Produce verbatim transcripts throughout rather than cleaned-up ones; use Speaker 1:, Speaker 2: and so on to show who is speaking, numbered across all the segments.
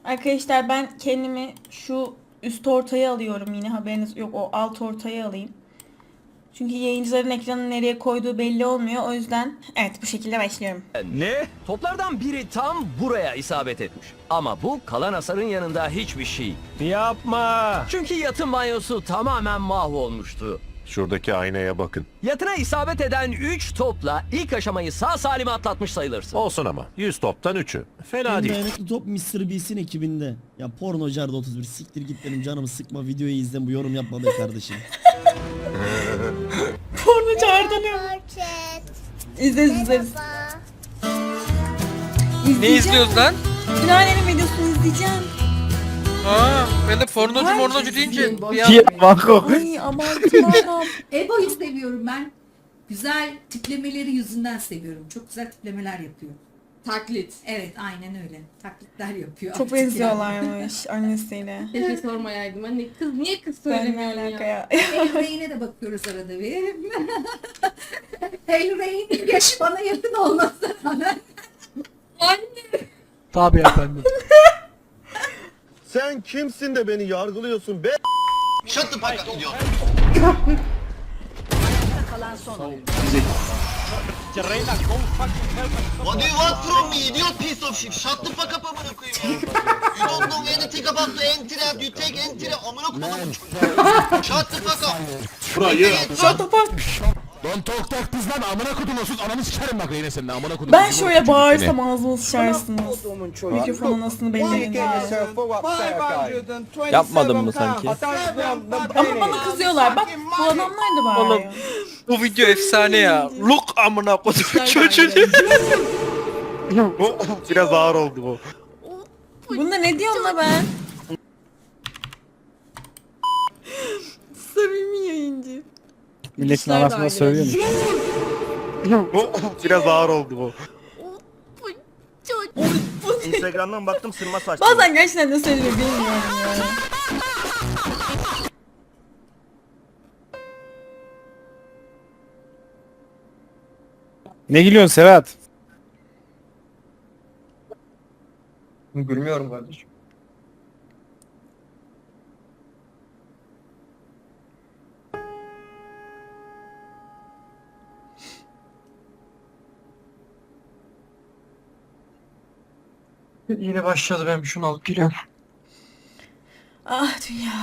Speaker 1: Arkadaşlar ben kendimi şu üst ortaya alıyorum, yine haberiniz yok, o alt ortaya alayım. Çünkü yayıncıların ekranı nereye koyduğu belli olmuyor. O yüzden evet, bu şekilde başlıyorum.
Speaker 2: Ne? Toplardan biri tam buraya isabet etmiş. Ama bu kalan hasarın yanında hiçbir şey.
Speaker 3: Yapma.
Speaker 2: Çünkü yatın banyosu tamamen mahvolmuştu.
Speaker 4: Şuradaki aynaya bakın.
Speaker 2: Yatına isabet eden üç topla ilk aşamayı sağ salim atlatmış sayılırsın.
Speaker 4: Olsun ama. yüz toptan üçü. Fena
Speaker 5: En
Speaker 4: değil.
Speaker 5: dayanıklı top mister Beast'in ekibinde. Ya pornocarda otuz bir, siktir git benim canımı sıkma, videoyu izle, bu yorum yapma be kardeşim.
Speaker 1: Porno çağırdanıyor. İzleriz izleriz.
Speaker 6: Ne izliyoruz lan?
Speaker 1: Günaydın videosunu izleyeceğim.
Speaker 6: Aa, ben de pornocu
Speaker 1: Ay,
Speaker 6: mornocu deyince bir
Speaker 7: Diye
Speaker 6: an...
Speaker 7: Bangkok.
Speaker 1: Ay abartma adam.
Speaker 8: Ebo'yu seviyorum ben. Güzel tiplemeleri yüzünden seviyorum. Çok güzel tiplemeler yapıyor.
Speaker 9: Taklit.
Speaker 8: Evet, aynen öyle. Taklitler yapıyor.
Speaker 1: Çok
Speaker 8: artık yani.
Speaker 1: benziyorlarmış annesiyle.
Speaker 9: Keşke sormayaydım. Anne kız niye kız
Speaker 1: Ben ne
Speaker 9: söylemiyorsun
Speaker 1: alaka
Speaker 9: ya?
Speaker 1: ya?
Speaker 8: El Rey'ine de bakıyoruz arada bir. El Rey'in yaşı bana yakın olmasına rağmen.
Speaker 9: Anne.
Speaker 7: Tabii efendim.
Speaker 3: Sen kimsin de beni yargılıyorsun be?
Speaker 10: Shut the fuck up diyor. What do you want from me, idiot piece of shit? Shut the fuck up amına koyayım ya. You don't know anything about the entry and you take entry amına koyayım. Shut the fuck up.
Speaker 3: Burayı.
Speaker 1: Shut the fuck.
Speaker 7: Don tok tok kız lan amına kodumusuz ananı sikerim bak yine senin amına kodum.
Speaker 1: Ben şöyle bağırsam ağzımı sıçarsınız. Mikrofon anasını belirleyin diye.
Speaker 7: Yapmadın mı sanki?
Speaker 1: Ama bana kızıyorlar. Bak bu adamlar da bağırıyor.
Speaker 6: Bu video efsane ya. Look amına kodum çocuğu.
Speaker 3: Biraz ağır oldu bu.
Speaker 1: Bunda ne diyorum la ben? Samimi yayıncı.
Speaker 7: Milletin arasında söylüyormuş.
Speaker 3: Biraz ağır oldu bu. Instagram'dan baktım sırma saçlı.
Speaker 1: Bazen gerçekten ne söylüyor bilmiyorum ya.
Speaker 7: Ne gülüyorsun Serhat?
Speaker 3: Gülmüyorum kardeşim.
Speaker 6: Yine başladı, ben bir şunu alıp geliyorum.
Speaker 1: Ah dünya.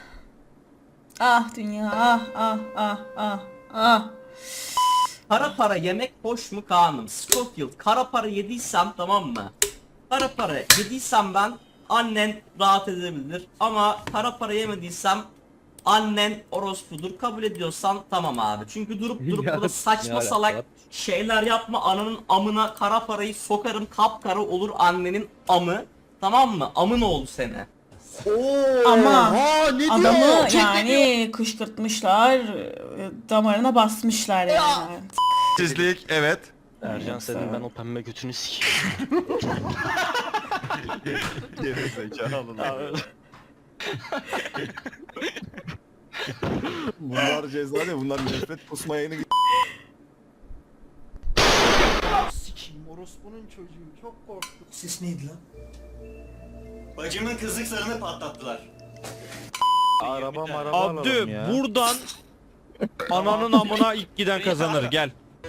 Speaker 1: Ah dünya. Ah ah ah ah ah.
Speaker 11: Kara para yemek hoş mu Kaan'ım? Scofield, kara para yediysem tamam mı? Kara para yediysem ben, annen rahat edebilir. Ama kara para yemediysem annen orospudur. Kabul ediyorsan tamam abi. Çünkü durup durup burada saçma salak şeyler yapma, ananın amına kara parayı sokarım, kapkara olur annenin amı. Tamam mı? Amın oğlu seni.
Speaker 1: Ama adamı yani kışkırtmışlar, damarına basmışlar yani.
Speaker 3: Sizlik evet.
Speaker 2: Ercan senin ben o pembe götünü sikeyim.
Speaker 3: Bunlar ceza ne? Bunlar nefret kusmaya yeni.
Speaker 10: Sikiyim orospunun çocuğu çok korktum. Ses neydi lan? Bacımın kızlık zarını patlattılar.
Speaker 3: Araba maraba
Speaker 7: Abdü buradan ananın amına ilk giden kazanır gel.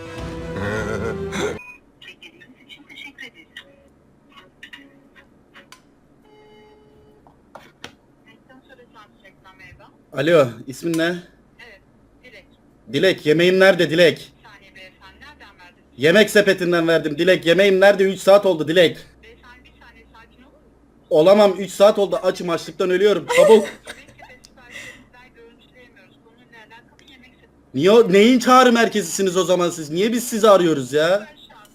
Speaker 10: Alo, ismin ne? Evet, Dilek. Dilek, yemeğim nerede Dilek? Bir saniye beyefendi, nereden verdiniz? Yemek sepetinden verdim Dilek, yemeğim nerede? üç saat oldu Dilek. Beyefendi bir saniye sakin olur musunuz? Olamam, üç saat oldu, açım açlıktan ölüyorum, çabuk. Yemek sepeti siparişlerinden görüntüleyemiyoruz. Konuyla alakalı yemek sepeti.
Speaker 3: Niye o- neyin çağrı merkezisiniz o zaman siz? Niye biz sizi arıyoruz ya?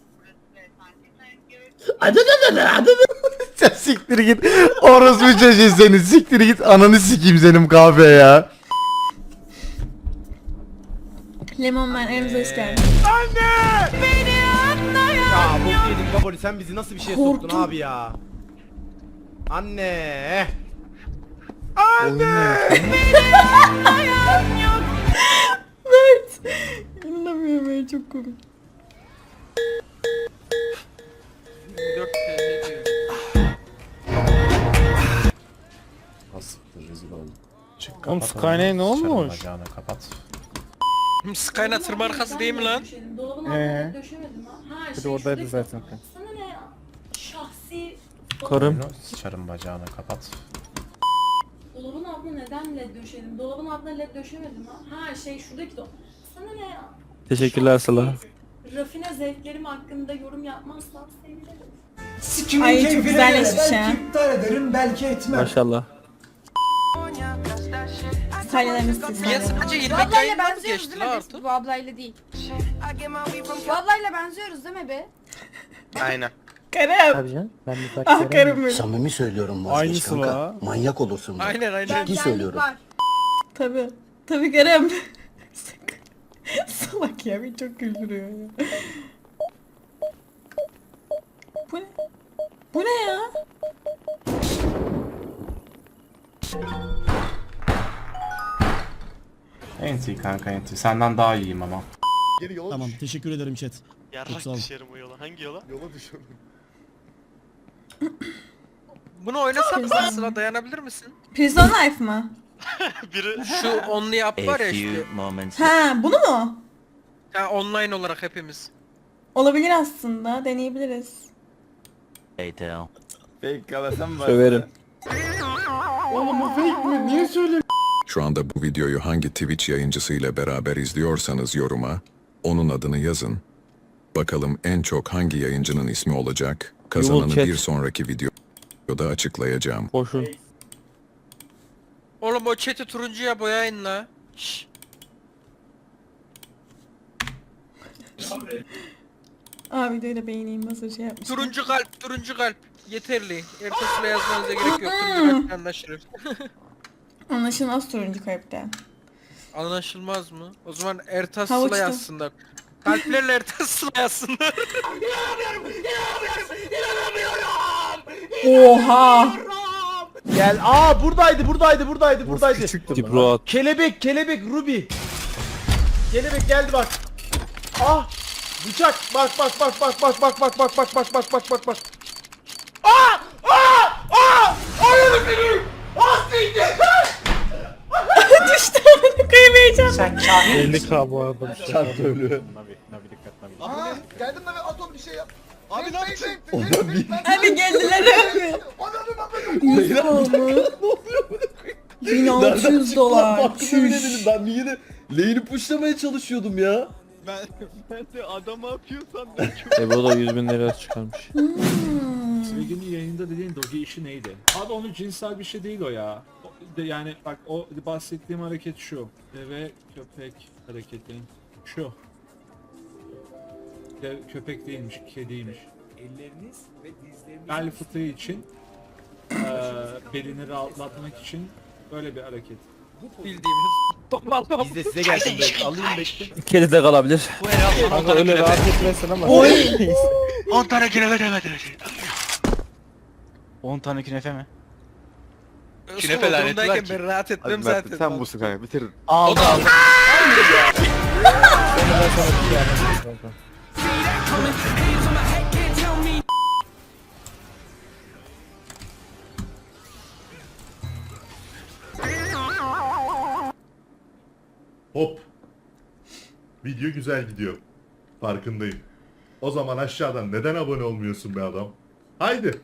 Speaker 3: Adı da da adı
Speaker 7: Sen siktir git. Orospu çocuğu seni siktir git ananı sikeyim senin kahve ya.
Speaker 1: Lemon Man elimize hoş geldin.
Speaker 3: Ya bu yedik baboli, sen bizi nasıl bir şeye soktun
Speaker 1: Korktum.
Speaker 3: abi ya? Anne.
Speaker 1: Evet. İnanamıyorum ya, çok komik.
Speaker 6: yirmi dört T L diyor.
Speaker 3: Oğlum Skyne'e ne olmuş? Bacağını kapat.
Speaker 6: Skyna tırma arkası değil mi lan?
Speaker 3: Eee? Bir de oradaydı zaten. Sana ne ya? Şahsi... Karım. Sıçarım bacağını kapat.
Speaker 9: Dolabın altına neden led döşedim? Dolabın altına led döşemedim ha. Ha şey şuradaki do... Sana ne ya?
Speaker 3: Teşekkürler Sıla.
Speaker 9: Rafine zevklerim hakkında yorum yapmazsan sevinirim.
Speaker 1: Ay çok güzelleşmiş ha.
Speaker 3: Maşallah.
Speaker 1: Salyalarınız siz.
Speaker 6: Niye sadece
Speaker 9: Bu
Speaker 6: ilmek
Speaker 9: ablayla
Speaker 6: yayından mı
Speaker 9: benziyoruz
Speaker 6: geçti
Speaker 9: değil
Speaker 6: lan
Speaker 9: mi
Speaker 6: artık?
Speaker 9: biz? Bu ablayla değil. Bu ablayla benziyoruz değil mi be?
Speaker 6: Aynen.
Speaker 1: Karım.
Speaker 3: Tabii canım. Ben bir bak.
Speaker 1: Ah karım benim.
Speaker 10: Samimi söylüyorum
Speaker 3: Aynısı la.
Speaker 10: Manyak olursun.
Speaker 6: Aynen aynen.
Speaker 10: Ciddi söylüyorum.
Speaker 9: Var.
Speaker 1: Tabii. Tabii karım. Salak ya, beni çok güldürüyor ya. Bu ne? Bu ne ya?
Speaker 3: Enti kanka enti. Senden daha iyiyim ama.
Speaker 5: Tamam teşekkür ederim chat. Çok sağ olun.
Speaker 6: Bunu oynasak mı Sıla, dayanabilir misin?
Speaker 1: Prison Life mı?
Speaker 6: Şu only yap var ya işte.
Speaker 1: Ha, bunu mu?
Speaker 6: Ha, online olarak hepimiz.
Speaker 1: Olabilir aslında, deneyebiliriz.
Speaker 3: Söverim.
Speaker 12: Şu anda bu videoyu hangi Twitch yayıncısıyla beraber izliyorsanız yoruma onun adını yazın. Bakalım en çok hangi yayıncının ismi olacak? Kazananı
Speaker 3: chat.
Speaker 12: bir sonraki videoda açıklayacağım.
Speaker 3: Boşun.
Speaker 6: Oğlum o chat'i turuncuya boyayın la. Şşş.
Speaker 1: Aa, videoyu da beğeneyim, nasıl şey yapmışlar.
Speaker 6: Turuncu kalp, turuncu kalp. Yeterli. Ertesiyle yazmanıza gerek yok. Turuncu kalp anlaşılır.
Speaker 1: Anlaşılmaz turuncu kalpten.
Speaker 6: Anlaşılmaz mı? O zaman Ertas
Speaker 1: Havuçta.
Speaker 6: Sıla yazsınlar. Kalplerle Ertas Sıla yazsınlar.
Speaker 1: Oha!
Speaker 3: Gel. Aa buradaydı buradaydı buradaydı buradaydı.
Speaker 4: Dipro
Speaker 3: Kelebek kelebek Ruby. Kelebek geldi bak. Ah! Bıçak. Bak bak bak bak bak bak bak bak bak bak bak bak bak bak. Aa! Aa! Aa! Ayağını seni! Ah siktir!
Speaker 1: Düştü amına koyayım heyecanla.
Speaker 3: elli k bu arada.
Speaker 10: Çarptı ölü.
Speaker 3: Aha!
Speaker 10: Geldim de atom bir şey yap. Abi ne yapıyorsun?
Speaker 1: Hadi geldiler abi. yüz oldu. bin altı yüz dolar. Çüş.
Speaker 10: Ben bir yine lane'i pushlamaya çalışıyordum ya.
Speaker 3: Ebo da yüz bin lira çıkarmış.
Speaker 1: Hmm.
Speaker 13: Sevginin yayında dediğin doge işi neydi? Abi onun cinsel bir şey değil o ya. O- de- Yani bak o bahsettiğim hareket şu. Deve köpek hareketi. Şu. Dev, köpek değilmiş, kediymiş. Elleriniz ve dizleriniz bel fıtığı için eee belini rahatlatmak için böyle bir hareket.
Speaker 6: Bildiğimiz. Toplama.
Speaker 3: Biz de size gelsin böyle. Alayım bekle.
Speaker 4: Kedi de kalabilir.
Speaker 6: Bu herhalde
Speaker 3: Kanka öyle rahat etmesin ama.
Speaker 6: on tane künefe demedi.
Speaker 3: on tane künefe mi?
Speaker 6: Künefe lanetler ki. Ben rahat etmem zaten.
Speaker 7: Sen busun kanka bitirin.
Speaker 3: Aldı aldı.
Speaker 12: Hop. Video güzel gidiyor. Farkındayım. O zaman aşağıdan neden abone olmuyorsun be adam? Haydi.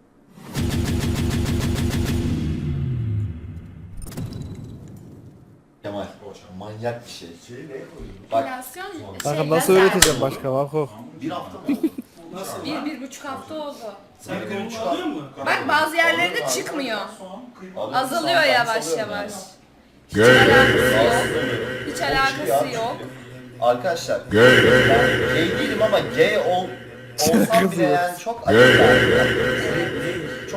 Speaker 10: Kemal manyak bir şey.
Speaker 9: Enflasyon mu?
Speaker 3: Kanka nasıl öğreteceğim başka Vako?
Speaker 10: Bir hafta mı?
Speaker 9: Bir, bir buçuk hafta oldu. Bak bazı yerlerde çıkmıyor. Azalıyor yavaş yavaş. Hiç alakası yok. Hiç alakası yok.
Speaker 10: Arkadaşlar ben gay değilim ama gay ol, olsam bile yani çok acı yani. Çok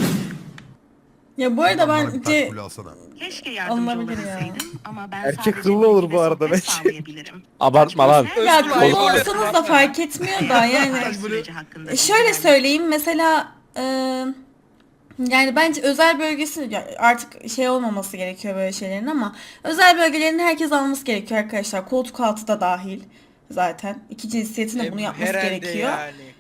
Speaker 1: Ya bu arada bence alınabilir ya.
Speaker 3: Erkek kıllı olur bu arada bence. Abartma lan.
Speaker 1: Ya kolu olsanız da fark etmiyor da yani. E, Şöyle söyleyeyim mesela e, yani bence özel bölgesi ya artık şey olmaması gerekiyor böyle şeylerin ama özel bölgelerini herkes alması gerekiyor arkadaşlar. Koltuk altı da dahil zaten. İki cinsiyetin de bunu yapması
Speaker 6: Herhalde
Speaker 1: gerekiyor.
Speaker 6: yani.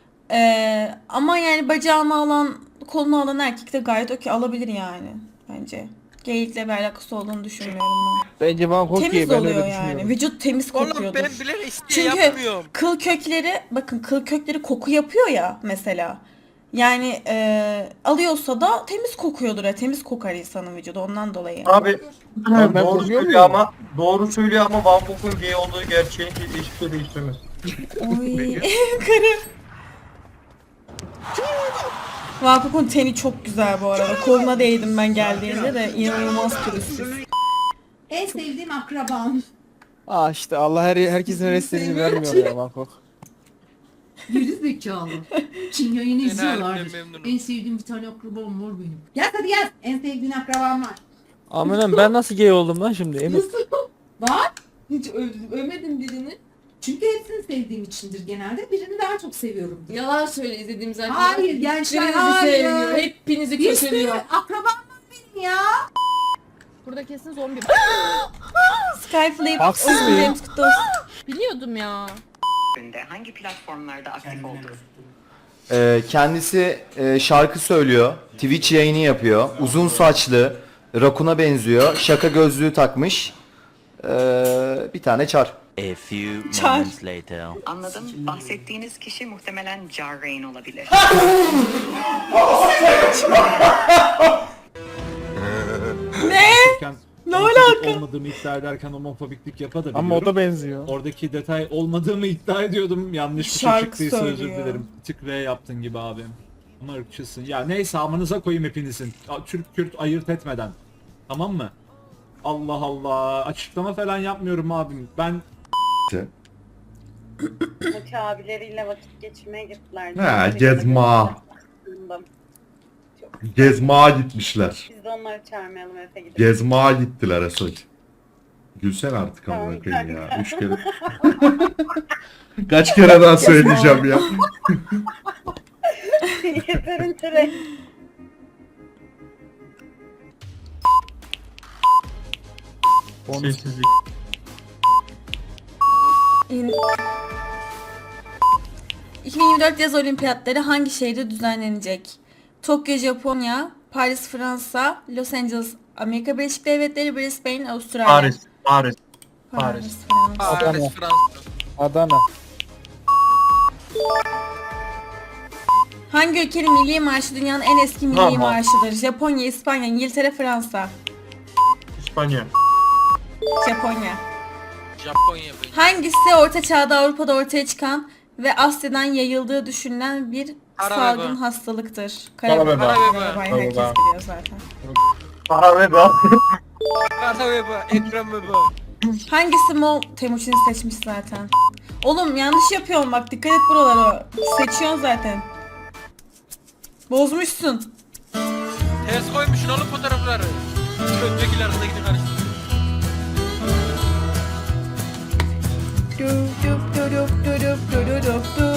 Speaker 1: E, ama yani bacağını alan, kolunu alan erkek de gayet okey alabilir yani bence. Geyikle bir alakası olduğunu düşünmüyorum ben.
Speaker 6: Bence Van
Speaker 1: Temiz oluyor yani. Vücut temiz
Speaker 6: Oğlum
Speaker 1: kokuyordur.
Speaker 6: ben bile isteye
Speaker 1: Çünkü
Speaker 6: yapmıyorum.
Speaker 1: kıl kökleri, bakın kıl kökleri koku yapıyor ya mesela. Yani e, alıyorsa da temiz kokuyordur ya. Temiz kokar insanın vücudu ondan dolayı.
Speaker 3: Abi doğru söylüyor ama doğru söylüyor ama Van Gog'un gay olduğu gerçeğini hiçbir şey değiştirmez.
Speaker 1: Oy karım. Vapuk'un teni çok güzel bu arada. Koluna değdim ben geldiğinde de inanılmaz pürüzsüz.
Speaker 8: En sevdiğim akrabam.
Speaker 6: Aa işte Allah her herkesin her istediğini vermiyor ya Bangkok.
Speaker 8: Geri zekalı. Çin yayını
Speaker 6: Ben
Speaker 8: izliyorlardır.
Speaker 6: halimden memnunum.
Speaker 8: En sevdiğim bir tane akrabam var benim. Gel hadi gel. En sevdiğin akrabam var.
Speaker 6: Amenem ben nasıl gay oldum lan şimdi Emir?
Speaker 8: Nasıl? Var. Hiç ö- övmedim birini. Çünkü hepsini sevdiğim içindir genelde. Birini daha çok seviyorum.
Speaker 9: Yalan söyle izlediğim zaten.
Speaker 8: Hayır gençler
Speaker 9: Hiçbirinizi
Speaker 8: hayır.
Speaker 9: sevmiyor. Hepinizi
Speaker 8: Bir sürü
Speaker 9: kötülüyor.
Speaker 8: akrabam var benim ya.
Speaker 9: Burada kesin zombi.
Speaker 1: Skyflip.
Speaker 6: Haksız
Speaker 1: Uzun
Speaker 6: mıyım?
Speaker 1: James Kutos.
Speaker 9: Biliyordum ya.
Speaker 14: Hangi platformlarda aktif oldunuz?
Speaker 7: Ee, kendisi e, şarkı söylüyor. Twitch yayını yapıyor. Uzun saçlı. Rakun'a benziyor. Şaka gözlüğü takmış. Ee, bir tane çar.
Speaker 2: A few
Speaker 1: Çar.
Speaker 2: moments later.
Speaker 14: Anladım. Bahsettiğiniz kişi muhtemelen Jarrain olabilir.
Speaker 1: Ne? Ne alaka?
Speaker 13: Olmadığımı iddia ederken homofobiklik yapabiliyorum.
Speaker 6: Ama o da benziyor.
Speaker 13: Oradaki detay olmadığımı iddia ediyordum. Yanlış bir şey
Speaker 1: Şarkı
Speaker 13: çıktıysa özür
Speaker 1: söylüyor.
Speaker 13: dilerim. Tık V yaptın gibi abim. Ama ırkçısın. Ya neyse amanıza koyayım hepinizin. A- Türk Kürt ayırt etmeden. Tamam mı? Allah Allah. Açıklama falan yapmıyorum abim. Ben
Speaker 14: Muti abileriyle vakit geçirmeye gittiler.
Speaker 3: Ha, gezma. Gezmağa gitmişler.
Speaker 14: Biz de onları çağırmayalım Efe gidip.
Speaker 3: Gezmağa gittiler Esoj. Gülsen artık amına koyayım ya. Üç kere. Kaç kere daha söyleyeceğim ya.
Speaker 14: Yeterince
Speaker 3: Sessizlik.
Speaker 1: İn- iki bin yirmi dört yaz olimpiyatları hangi şehirde düzenlenecek? Tokyo, Japonya, Paris, Fransa, Los Angeles, Amerika Birleşik Devletleri, Brisbane, Avustralya.
Speaker 3: Paris. Paris.
Speaker 1: Paris, Fransa.
Speaker 6: Paris, Fransa. Adana.
Speaker 1: Hangi ülkenin milli marşı dünyanın en eski milli
Speaker 3: Tamam.
Speaker 1: marşıdır? Japonya, İspanya, İngiltere, Fransa.
Speaker 3: İspanya.
Speaker 1: Japonya.
Speaker 6: Japonya böyle.
Speaker 1: Hangisi Orta Çağ'da Avrupa'da ortaya çıkan ve Asya'dan yayıldığı düşünülen bir
Speaker 6: Kara
Speaker 1: salgın
Speaker 6: veba.
Speaker 1: hastalıktır?
Speaker 3: Kara veba.
Speaker 1: Kara
Speaker 6: Kara
Speaker 1: veba.
Speaker 6: veba.
Speaker 1: Herkes
Speaker 3: Kara veba.
Speaker 1: biliyor zaten.
Speaker 3: Para ve bak.
Speaker 6: Kara veba, Ekrem veba.
Speaker 1: Hangisi Moğol? Temuçin seçmiş zaten. Oğlum yanlış yapıyorsun bak dikkat et buralara. Seçiyorsun zaten. Bozmuşsun.
Speaker 6: Ters koymuşsun oğlum fotoğrafları. Öndekiler arasındakini karıştır.
Speaker 1: Du, du, du, du, du, du, du, du, du.